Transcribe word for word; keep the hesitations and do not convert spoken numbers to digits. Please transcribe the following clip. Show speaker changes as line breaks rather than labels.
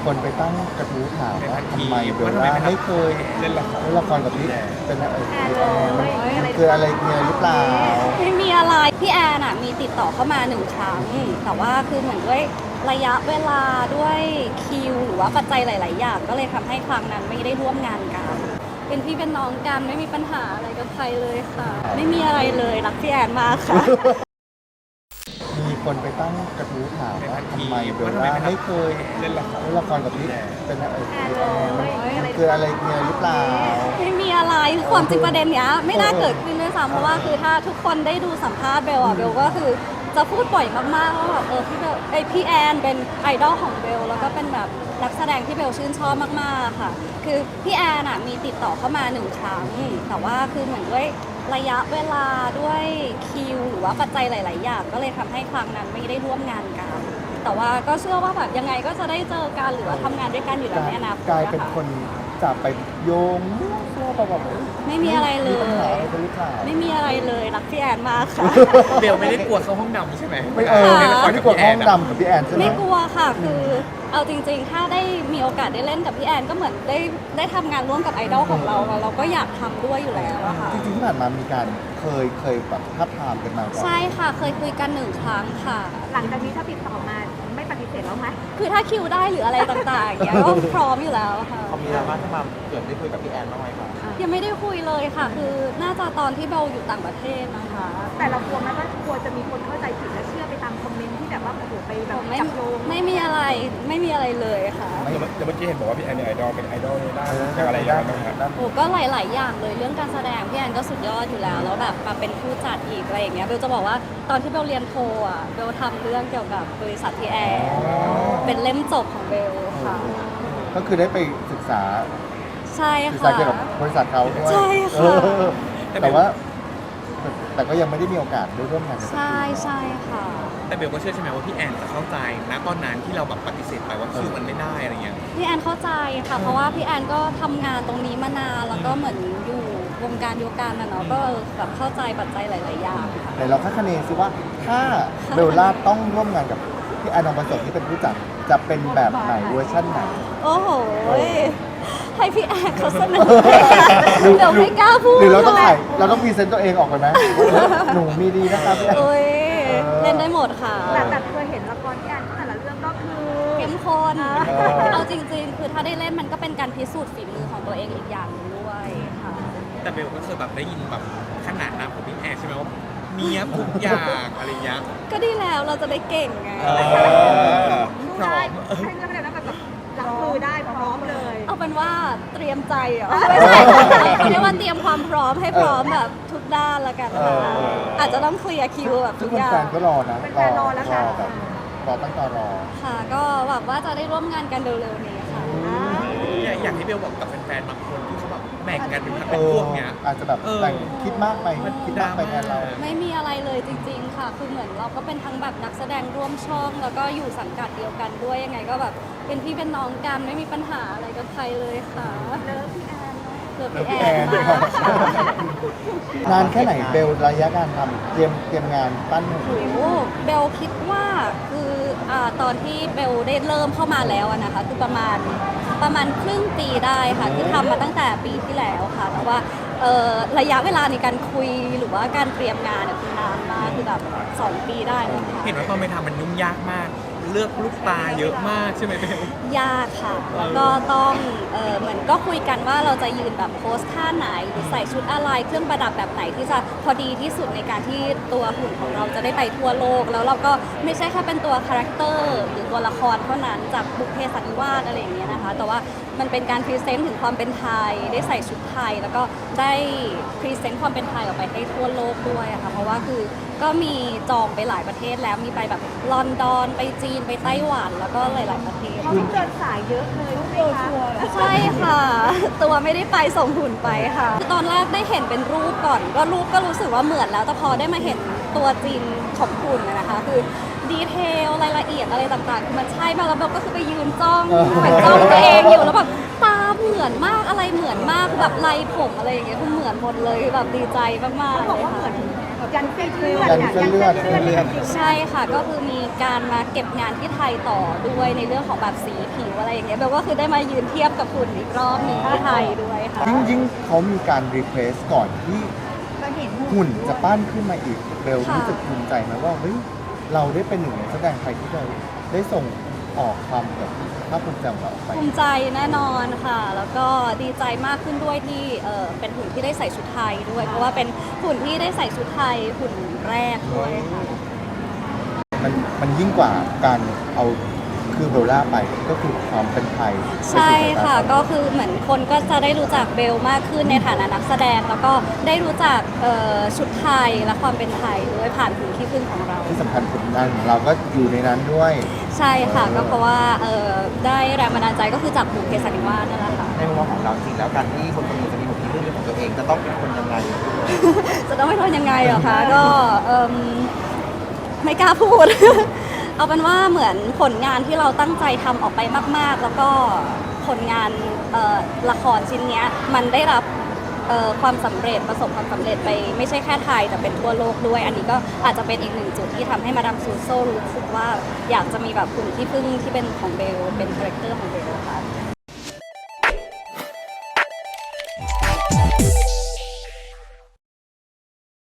คนไปตั้งกระทู้ถามว่าทำไมเบลล่าไม่เคยเล่นละครเล่นละครกับพี่เป็นอะไรมันคืออะไรเนี่ยหรือเปล่า
ไม่มีอะไรพี่แอนอะมีติดต่อเข้ามาหนึ่งครั้งแต่ว่าคือเหมือนด้วยระยะเวลาด้วยคิวหรือว่าปัจจัยหลาย ๆ อย่างก็เลยทำให้ครั้งนั้นไม่ได้ร่วมงานกันเป็นพี่เป็นน้องกันไม่มีปัญหาอะไรกับใครเลยค่ะไม่มีอะไรเลยรักพี่แอนมากค่ะ
มีคนไปตั้งกระทู้ถามว่าทำไมเบลล่าไม่เคยเล่นละครเล่นละครกับพี่เป็นอะไรมันคืออะไรเนี่ยหรือเปล่า
ไม่มีอะไรคือความจริงประเด็นเนี้ยไม่น่าเกิดขึ้นด้วยซ้ำเพราะว่าคือถ้าทุกคนได้ดูสัมภาษณ์เบลอะเบลก็คือจะพูดบ่อยมากๆว่าแบบเออพี่เบลไอพี่แอนเป็นไอดอลของเบลแล้วก็เป็นแบบนักแสดงที่เบลชื่นชอบมากๆค่ะคือพี่แอนอะมีติดต่อเข้ามาหนึ่งครั้งแต่ว่าคือเหมือนด้วยระยะเวลาด้วยคิวหรือว่าปัจจัยหลาย ๆ อย่างก็เลยทำให้ครั้งนั้นไม่ได้ร่วมงานกันแต่ว่าก็เชื่อว่าแบบยังไงก็จะได้เจอกันหรือว่าทำงานด้วยกันอยู่แล้วในอนาคต
กลายเป็นคนจับไปโยงมั่วตัวแบบ
ไม่มีอะไรเลย
มีปัญหาอะไรกันหรือเปล่า
ไม่มีอะไรเลยรักพี่แอนมากค่ะ
เบลไม่ได้กลัวเข้าห้องดำใช่ไหม
ไม่เออไม่กลัวห้องดำกับพี่แอนใช่ไหม
ไม่กลัวค่ะคือเอาจริงๆถ้าได้มีโอกาสได้เล่นกับพี่แอนก็เหมือนได้ได้ทำงานร่วมกับไอดอลของเราเราก็อยากทำด้วยอยู่แล้วอะค่ะ
จริงๆที่ผ่านมามีการเคยเคยแบบทับทามกันมาก่อน
ใช่ค่ะเคยคุยกันหนึ่งครั้งค่ะ
หลังจากนี้ถ้าติดต่อมาไม่ปฏิเสธแล้วไหม
คือถ้าคิวได้หรืออะไรต่างๆอย่างเงี้ยก็พร้อมอยู่แล้วค่ะ
เขามีดราม่าที่มาเกิดได้คุยกับพี่แอนบ้างไหมครับ
ยังไม่ได้คุยเลยค่ะคือน่าจะตอนที่เบลอยู่ต่างประเทศนะคะ
แต่เรากลัวไหมว่ากลัวจะมีคนเข้าใจผิดและเชื่อไปตามคอมเมนต์ที่แบบว่าโอ้โหไปแบบ
ไม่
จับโยง
ไม่มีอะไรไม่มีอะไรเลยค่ะ
เมื่อกี้เห็นบอกว่าพี่แอนเป็นไอดอลเป็นไอดอลในด้านอะไรอย่างเงี้ยครับ
โอ้ก็หลาย ๆ อย่างเลยเรื่องการแสดงพี่แอนก็สุดยอดอยู่แล้วแล้วแบบมาเป็นผู้จัดอีกอะไรอย่างเงี้ยเบลจะบอกว่าตอนที่เบลเรียนโทอ่ะเบลทำเรื่องเกี่ยวกับบริษัทพี่แอนเป็นเล่มจบของเบลค่ะ
ก็คือได้ไปศึกษา
ใช่ค่ะศึ
กษาเกี่ยวกับบริษัทเขาด้วย
ใช่ค่ะ
แต่ว่าแต่ก็ยังไม่ได้มีโอกาสได้ร่วมงาน
ใช่ใช่ค่ะ
แต่เบลก็เชื่อใช่ไหมว่าพี่แอนจะเข้าใจนะตอนนั้นที่เราแบบปฏิเสธไปว่าคิวมันไม่ได้อะไรเงี้ย
พี่แอนเข้าใจค่ะเพราะว่าพี่แอนก็ทำงานตรงนี้มานานแล้วก็เหมือนอยู่วงการเดียวกันนะเนาะก็แบบเข้าใจปัจจัยหลาย ๆ อย่างค่ะ
แต่เราคาดคะเนซิว่าถ้าเบลล่าต้องร่วมงานกับพี่แอนทองผสมที่เป็นผู้จัดจะเป็นแบบไหนเวอร์ชันไหน
โอ้โหให้พี่แอนเขาเสนอเดี๋ยวไม่กล้าพูด
หรือเราต้องถ่ายเราต้องพรีเซนต์ตัวเองออกไปไหมหนูมีดีนะครับพี่แอน
เล่นได้หมดค่ะ
แต่แต่เคยเห็นละครที่อ่านแต่ละเรื่องก็คือ
เข้มข้นเอาจริงๆคือถ้าได้เล่นมันก็เป็นการพิสูจน์ฝีมือของตัวเองอีกอย่างนึงด้วยค่ะ
แต่เบลก็เคยแบบได้ยินแบบขนาดนั้นของพี่แอนใช่ไหมว่าเนี้ยทุกอย่างอะไรเงี้ย
ก็ดีแล้วเราจะได้เก่งไง
พร้อมให้เรื่องอะไรนะแบบรับมือได้พร้อมเลย
เอาเป็นว่าเตรียมใจเหรอไม่ใช่เรียกว่าเตรียมความพร้อมให้พร้อมแบบทุกด้านละกันอาจจะต้องเคลียร์คิวแบบทุกอย่าง
แฟนก็รอนะ
เป็นแฟนรอแล้วค่ะ
รอตั้งตารอ
ค่ะก็หวังว่าจะได้ร่วมงานกันเร็วๆนี้ค่ะ
อยากให้เบลบอกกับแฟนๆบางคนที่เขาแบบแบ่งกันเป็นพวกเนี้ย
อาจจะแบบแต่งคิดมากไปคิดมากไปแทนเรา
ไม่มีอะไรเลยจริงๆค่ะคือเหมือนเราก็เป็นทั้งแบบนักแสดงร่วมช่องแล้วก็อยู่สังกัดเดียวกันด้วยยังไงก็แบบเป็นพี่เป็นน้องกันไม่มีปัญหาอะไรกับใครเลยค่ะ
เลิฟพี่แอน
เลิฟพี่แอน
นานแค่ไหนเบลระยะการทำเตรียมเตรียมงานปั้นหนู
เบลคิดว่าคืออ่าตอนที่เบลได้เริ่มเข้ามาแล้วนะคะคือประมาณประมาณครึ่งปีได้ค่ะคือทำมาตั้งแต่ปีที่แล้วค่ะแต่ว่าระยะเวลาในการคุยหรือว่าการเตรียมงานเนี่ยคือนานมากคือแบบสองปีได้นะคะ
เห็นว่าตอนไปทำมันยุ่งยากมากเลือกลูกตาเยอะมากใช่ไหมเบล
ยากค่ะแล้วก็ต้องเออเหมือนก็คุยกันว่าเราจะยืนแบบโพสท่าไหนหรือใส่ชุดอะไรเครื่องประดับแบบไหนที่จะพอดีที่สุดในการที่ตัวหุ่นของเราจะได้ไปทั่วโลกแล้วเราก็ไม่ใช่แค่เป็นตัวคาแรคเตอร์หรือตัวละครเท่านั้นจากบุพเพสันนิวาสอะไรอย่างเงี้ยนะคะแต่ว่ามันเป็นการพรีเซนต์ถึงความเป็นไทยได้ใส่ชุดไทยแล้วก็ได้พรีเซนต์ความเป็นไทยออกไปให้ทั่วโลกด้วยค่ะเพราะว่าคือก็มีจองไปหลายประเทศแล้วมีไปแบบลอนดอนไปจีนไปไต้หวันแล้วก็หลายๆประเทศ
เขาเดินสายเยอะเลยใช่ไหมคะ
ใช่ค่ะตัวไม่ได้ไปส่งหุ่นไปค่ะตอนแรกได้เห็นเป็นรูปก่อนก็รูปก็รู้สึกว่าเหมือนแล้วแต่พอได้มาเห็นตัวจริงของหุ่นนะคะคือดีเทลรายละเอียดอะไรต่างๆคือมันใช่มากแล้วเบลก็คือไปยืนจ้องไปจ้องตัวเองอยู่แล้วแบบตาเหมือนมากอะไรเหมือนมากแบบลายผมอะไรอย่างเงี้ยคือเหมือนหมดเลยแบบดีใจมากๆเลยค่ะ
ยันเส้นเลือด
ยันเส้นเลือด
ยันเส้นเลือด
ใช่ค่ะก็คือมีการมาเก็บงานที่ไทยต่อด้วยในเรื่องของแบบสีผิวอะไรอย่างเงี้ยเบลก็คือได้มายืนเทียบกับหุ่นอีกรอบหนึงที่ไทยด้วยค่ะ
ยิ่งยิ่งเขามีการรีเควสก่อนที่
ก็เห็น
หุ่นจะปั้นขึ้นมาอีกเบล
ค่ะ
รู้สึกภูมิใจไหมว่าเฮ้ยเราได้เป็นหนึ่งในนักแสดงไทยที่เราได้ส่งออกความแบบภาคภูมิใจของเราออกไป
ภูมิใจแน่นอนค่ะ แล้วก็ดีใจมากขึ้นด้วยที่เออเป็นหุ่นที่ได้ใส่ชุดไทยด้วย เพราะว่าเป็นหุ่นที่ได้ใส่ชุดไทยหุ่นแรกด้วยค่ะ
มันมันยิ่งกว่าการเอาคือเบลล่าไปก็คือความเป็นไทย
ใช่ค่ะก็คือเหมือนคนก็จะได้รู้จักเบลมากขึ้นในฐานะนักแสดง แล้วก็ได้รู้จักเอ่อชุดไทยและความเป็นไทยด้วยผ่านหุ่นที่พึ่งของเรา
ที่สำคัญผลงานของเราก็อยู่ในนั้นด้วย
ใช่ค่ะก็เพราะว่าเอ่อได้แรงบันดาลใจก็คือจากบุพเพสันนิวาสนั่นแหละค่ะ
ในมุมมองของเราจริงแล้วการที่คนคนหนึ่งจะมีหุ่นที่เป็นของตัวเองจะต้องเป็นคนยังไง
จะต้องไม่ทนยังไงเหรอคะ ก็เอิ่มไม่กล้าพูด เอาเป็นว่าเหมือนผลงานที่เราตั้งใจทำออกไปมาก ๆ แล้วก็ผลงานเอ่อละครชิ้นเนี้ยมันได้รับเอ่อความสำเร็จประสบความสำเร็จไปไม่ใช่แค่ไทยแต่เป็นทั่วโลกด้วย อันนี้ก็อาจจะเป็นอีกหนึ่งจุดที่ทำให้มาดามซูโซรู้สึกว่าอยากจะมีแบบหุ่นที่พึ่งที่เป็นของเบลเป็นคาแรคเตอร์ของเบลค่ะ